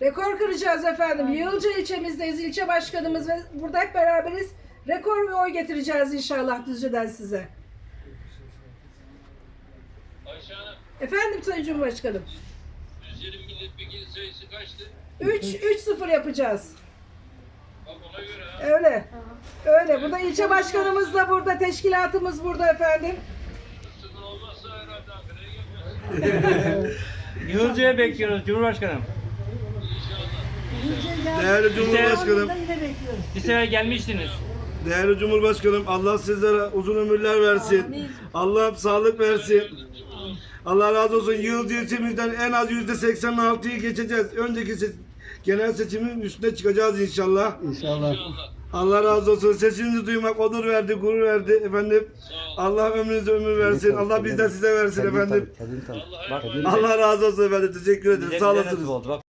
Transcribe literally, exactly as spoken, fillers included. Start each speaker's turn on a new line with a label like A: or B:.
A: Rekor kıracağız efendim. Yığılca ilçemizdeyiz. İlçe başkanımız ve burada hep beraberiz. Rekor bir oy getireceğiz inşallah Düzce'den size.
B: Ayşe Hanım,
A: Efendim Sayın Cumhurbaşkanım.
B: Düzce'nin milletvekili sayısı kaçtı?
A: üç üç sıfır yapacağız.
B: Bak ona göre ha.
A: Öyle. Öyle. Burada ilçe başkanımız da burada, teşkilatımız burada efendim.
B: Sıfır olmazsa herhalde Ankara'ya gelmez.
C: Yılca'ya bekliyoruz Cumhurbaşkanım.
B: İnşallah.
D: Değerli Cumhurbaşkanım,
C: Bir sefer gelmiştiniz.
D: değerli Cumhurbaşkanım, Allah sizlere uzun ömürler versin. Allah sağlık versin. Allah razı olsun. Yıldız ilçemizden en az yüzde seksen altıyı geçeceğiz. Önceki se- genel seçimin üstüne çıkacağız inşallah.
B: İnşallah.
D: Allah razı olsun. Sesinizi duymak onur verdi, gurur verdi efendim. Allah ömrünüze ömür versin. Allah bizden size versin efendim.
B: Allah'a
C: Bak,
B: emanet.
D: Allah razı olsun efendim. Teşekkür ederim.
C: Bize,
D: Sağ
C: bize
D: olasınız.
C: nasip oldu. Bak